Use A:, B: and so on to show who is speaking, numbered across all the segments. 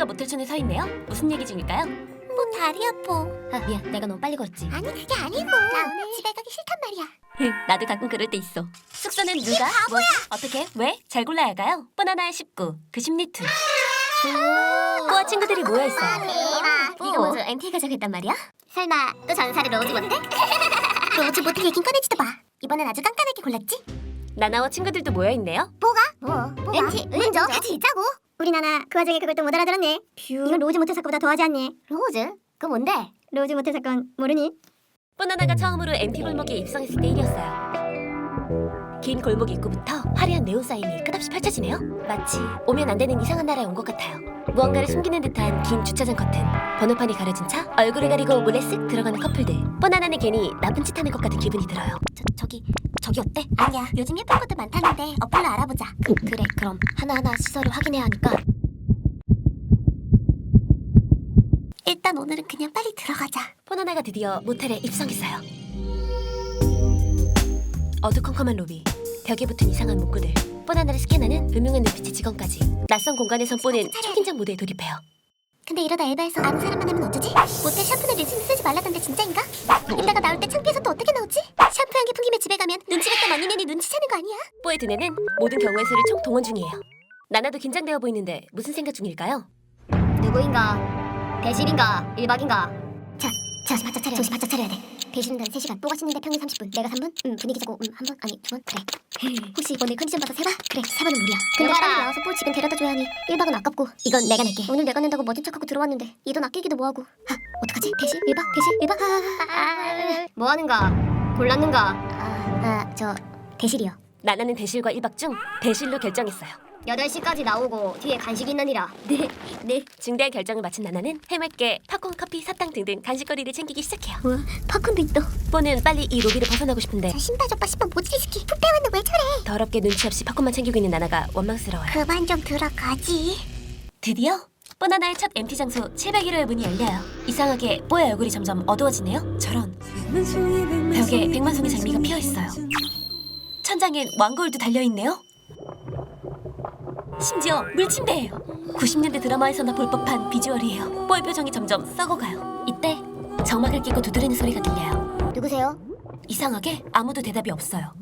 A: 모텔촌에 서 있네요. 무슨 얘기 중일까요?
B: 뭐 다리 아파.
A: 아 미안, 내가 너무 빨리 걸었지.
B: 아니 그게 아니고 나 오늘 집에 가기 싫단 말이야.
A: 나도 가끔 그럴 때 있어. 숙소는 누가? 뭐? 어떻게? 왜? 잘 골라야 할까요? 뽀나나의 19, 그 심리툰. 뽀아 친구들이 모여있어요.
B: 네가 먼저 MT 가자고 했단 말이야? 설마 또 전사를 로즈 모텔? 로즈 모텔 얘긴 꺼내지도 마. 이번엔 아주 깐깐하게 골랐지?
A: 나나와 친구들도 모여있네요.
B: 뭐가? MT 먼저 같이 있자고. 우리 나나 그 와중에 그걸 또 못 알아들었네. 이건 로즈 모텔 사건보다 더하지 않니? 로즈? 그거 뭔데? 로즈 모텔 사건 모르니?
A: 뽀나나가 처음으로 MT 골목에 입성했을 때 일이었어요. 긴 골목 입구부터 화려한 네온 사인이 끝없이 펼쳐지네요. 마치 오면 안 되는 이상한 나라에 온 것 같아요. 무언가를 숨기는 듯한 긴 주차장 커튼, 번호판이 가려진 차, 얼굴을 가리고 몰래 쓱 들어가는 커플들. 뽀나나는 괜히 나쁜 짓 하는 것 같은 기분이 들어요. 저기 어때?
B: 아니야. 요즘 예쁜 것들 많다는데 어플로 알아보자.
A: 그래, 그럼 하나하나 시설을 확인해야 하니까.
B: 일단 오늘은 그냥 빨리 들어가자.
A: 뽀나나가 드디어 모텔에 입성했어요. 어두컴컴한 로비, 벽에 붙은 이상한 문구들, 뽀나나를 스캔하는 음흉한 눈빛의 직원까지. 낯선 공간에선 뽀는 초긴장 모드에 돌입해요.
B: 근데 이러다 엘바에서 아는 사람 만나면 어쩌지? 모텔 샴푸는 리슨 쓰지 말라던데 진짜인가? 이따가 나올 때 창피해서 또 어떻게 나오지? 샴푸 향기 풍기며 집에 가면 눈치가 또 언니네니 눈치채는 거 아니야?
A: 뽀의 두뇌는 모든 경우의 수를 총 동원 중이에요. 나나도 긴장되어 보이는데 무슨 생각 중일까요?
B: 누구인가? 배실인가? 1박인가? 자, 정신 바짝 차려야 돼. 배실은 단 3시간, 뽀가 씻는데 평균 30분, 내가 3분? 분위기 자고 한 번? 아니 2번? 그래. 혹시 오늘 컨디션 봐서 3번? 그래, 3번은 무리야. 근데 빨리 나와서 뽀 집엔 데려다 줘야 하니 1박은 아깝고. 이건 내가 낼게. 오늘 내가 낸다고 멋진 척하고 들어왔는데 이 돈 아끼기도 뭐하고. 어떡하지? 배실? 1박? 배실? 1박? 뭐하는가? 골랐는가? 저 대실이요.
A: 나나는 대실과 1박 중 대실로 결정했어요.
B: 8시까지 나오고 뒤에 간식 있느니라. 네.
A: 중대한 결정을 마친 나나는 해맑게 팝콘, 커피, 사탕 등등 간식거리를 챙기기 시작해요.
B: 우와, 팝콘도 있어.
A: 뽀는 빨리 이 로비를 벗어나고 싶은데
B: 신발 족바 10번 모찌리스키 풋배웠는데 왜 저래?
A: 더럽게 눈치 없이 팝콘만 챙기고 있는 나나가 원망스러워요.
B: 그만 좀 들어가지.
A: 드디어 뽀나나의 첫 MT 장소 701호의 문이 열려요. 이상하게 뽀의 얼굴이 점점 어두워지네요. 저런. 벽에 백만송이 장미가 피어있어요. 천장엔 왕거울도 달려있네요. 심지어 물침대예요. 90년대 드라마에서나 볼 법한 비주얼이에요. 뽀의 표정이 점점 썩어가요. 이때 정막을 끼고 두드리는 소리가 들려요.
B: 누구세요?
A: 이상하게 아무도 대답이 없어요.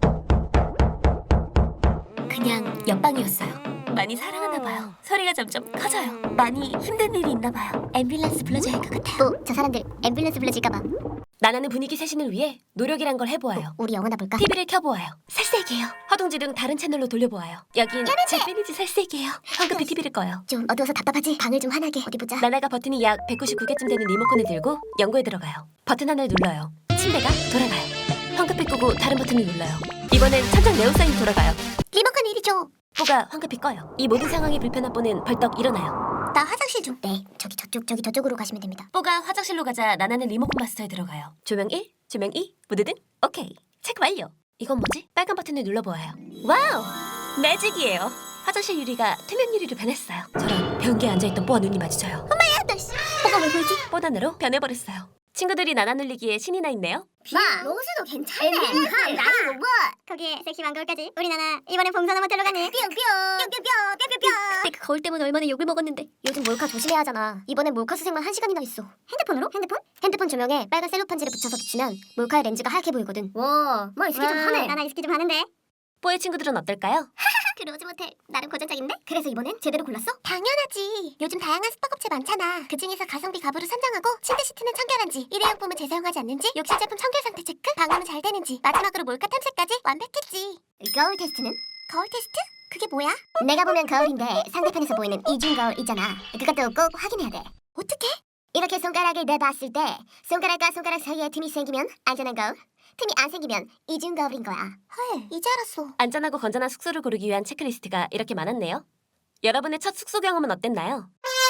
A: 그냥 옆방이었어요. 많이 사랑하나 봐요. 소리가 점점 커져요. 많이 힘든 일이 있나 봐요. 앰뷸런스 불러줘야 할 것 같아요.
B: 저 사람들 앰뷸런스 불러줄까봐.
A: 나나는 분위기 세신을 위해 노력이란 걸 해보아요.
B: 우리 영화나 볼까?
A: TV를 켜보아요. 살색이에요. 허둥지둥 다른 채널로 돌려보아요. 여긴 제 팬이지 살색이에요. 황급히 TV를 꺼요.
B: 좀 어두워서 답답하지? 방을 좀 환하게. 어디 보자.
A: 나나가 버튼이 약 199개쯤 되는 리모컨을 들고 연구에 들어가요. 버튼 하나를 눌러요. 침대가 돌아가요. 황급히 끄고 다른 버튼을 눌러요. 이번엔 천장 네온사인이 돌아가요.
B: 리모컨 이리 줘.
A: 뽀가 황급히 꺼요. 이 모든 상황이 불편한 뽀는 벌떡 일어나요.
B: 나 화장실 좀. 네, 저기 저쪽으로 가시면 됩니다.
A: 뽀가 화장실로 가자 나나는 리모컨 마스터에 들어가요. 조명 1, 조명 2, 무드등 오케이. 체크 완료. 이건 뭐지? 빨간 버튼을 눌러보아요. 와우! 매직이에요. 화장실 유리가 투명 유리로 변했어요. 저런 변기에 앉아있던 뽀와 눈이 마주쳐요.
B: 엄마야, 너 씨. 뭐가 왜 보이지?
A: 뽀단으로 변해버렸어요. 친구들이 나나 눌리기에 신이 나 있네요.
B: 마, 로스도 괜찮네. 나이 뭐. 거기에 섹시 망거울까지. 우리 나나 이번엔 봉선화 모텔로 가네. 뿅뿅. 그때 그 거울 때문에 얼마나 욕을 먹었는데. 요즘 몰카 조심해야 하잖아. 이번엔 몰카 수색만 1시간이나 있어. 핸드폰으로? 핸드폰 조명에 빨간 셀로판지를 붙여서 비추면 몰카의 렌즈가 하얗게 보이거든. 와, 이스키 좀 하네. 나나 이스키 좀 하는데.
A: 뽀의 친구들은 어떨까요?
B: 그 로즈 모텔 나름 고전적인데? 그래서 이번엔 제대로 골랐어? 당연하지. 요즘 다양한 숙박업체 많잖아. 그중에서 가성비 가부를 선정하고 침대 시트는 청결한지, 일회용품은 재사용하지 않는지, 욕실 제품 청결 상태 체크, 방음은 잘 되는지, 마지막으로 몰카 탐색까지 완벽했지. 거울 테스트는? 거울 테스트? 그게 뭐야? 내가 보면 거울인데 상대편에서 보이는 이중 거울 있잖아. 그것도 꼭 확인해야 돼. 어떻게? 이렇게 손가락을 내봤을 때 손가락과 손가락 사이에 틈이 생기면 안전한 거울, 틈이 안 생기면 이중 거울인 거야. 헐, 이제 알았어.
A: 안전하고 건전한 숙소를 고르기 위한 체크리스트가 이렇게 많았네요. 여러분의 첫 숙소 경험은 어땠나요?